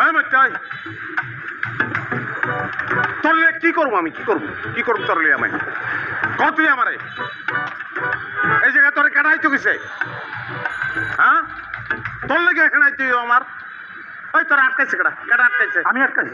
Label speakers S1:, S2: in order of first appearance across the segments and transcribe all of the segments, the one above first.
S1: তোরলে কি করবো আমি কি করবো তোরলে আমি তুই আমারে এই জায়গায় তোরে কেনাই তো গেছে হ্যাঁ তোর লেগে কেনাই তুই আমার ওই তোরা আটকাইছে কেটা আটকাইছে
S2: আমি আটকাইছি।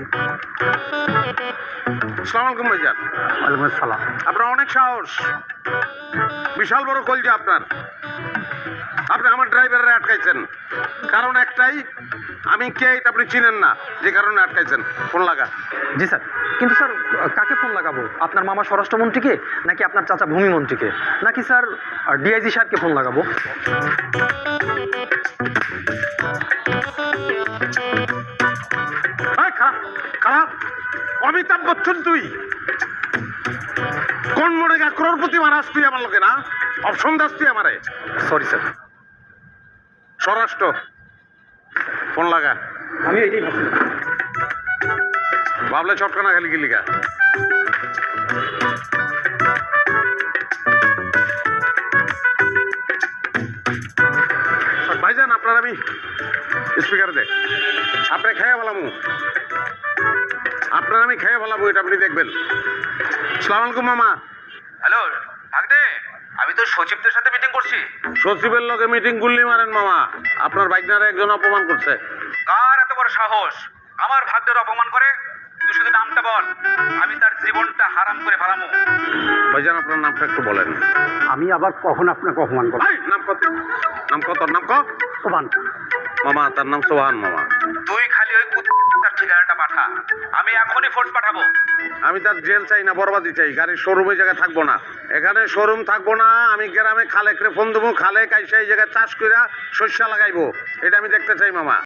S1: আসসালামু আলাইকুম ভাইজান।
S2: ওয়ালাইকুম আসসালাম।
S1: আপনার অনেক সাহস, বিশাল বড় কলজা আপনার। আপনি আমার ড্রাইভাররা আটকাইছেন, কারণ একটাই, আমি কে এটা আপনি চিনেন না, যে কারণে আটকাইছেন। ফোন লাগা।
S2: জি স্যার, কিন্তু স্যার কাকে ফোন লাগাবো? আপনার মামা স্বরাষ্ট্রমন্ত্রীকে, নাকি আপনার চাচা ভূমিমন্ত্রীকে, নাকি স্যার ডিআইজি সাহেবকে ফোন লাগাবো?
S1: খারাপ খারাপ অমিতাভ বচ্চন তুই কোন মনে গা ক্রোড়পতি মারাস তুই আমার লোকে না, অপশন দাস তুই আমারে।
S2: Sorry sir.
S1: স্বরাষ্ট্র ফোন লাগা।
S2: আমি এটাই ভাবছিলাম।
S1: ভাবলে চটকানা খালি গিলিগা। ভাইজান আপনার আমি স্পিকারে দে, আপনি খেয়ে বলামু, আপনার আমি খেয়ে বলাবো, এটা আপনি দেখবেন। সালাম আলাইকুম মামা।
S3: হ্যালো ভাগদে, আমি তো সচিবদের সাথে মিটিং করছি।
S1: সচিবের লগে মিটিং গুল্লি মারেন মামা, আপনার বাইকনারে একজন অপমান করছে।
S3: কার এত বড় সাহস আমার ভাগদের অপমান করে? তুই শুধু নামটা বল, আমি তার জীবনটা হারাম করে ফেলামু।
S1: ভাইজান আপনার নামটা একটু বলেন।
S2: আমি আবার কখন আপনাকে অপমান করব?
S1: নাম কত? নাম কত? নাম কত?
S2: সোহান।
S1: মামা তার নাম সোহান মামা।
S3: তুই খালি ওই তার ঠিকানাটা পাঠা, আমি এখনই ফোর্স পাঠাবো।
S1: আমি তার জেল চাই না, বরবাদি চাই। গাড়ির শোরুমে জায়গায় থাকবো না, এখানে শোরুম থাকবো না। আমি গ্রামে খালেক রে ফোন দেবো, খালেক আইসা এই জায়গায় চাষ কইরা শস্য লাগাইবো, এটা আমি দেখতে চাই মামা।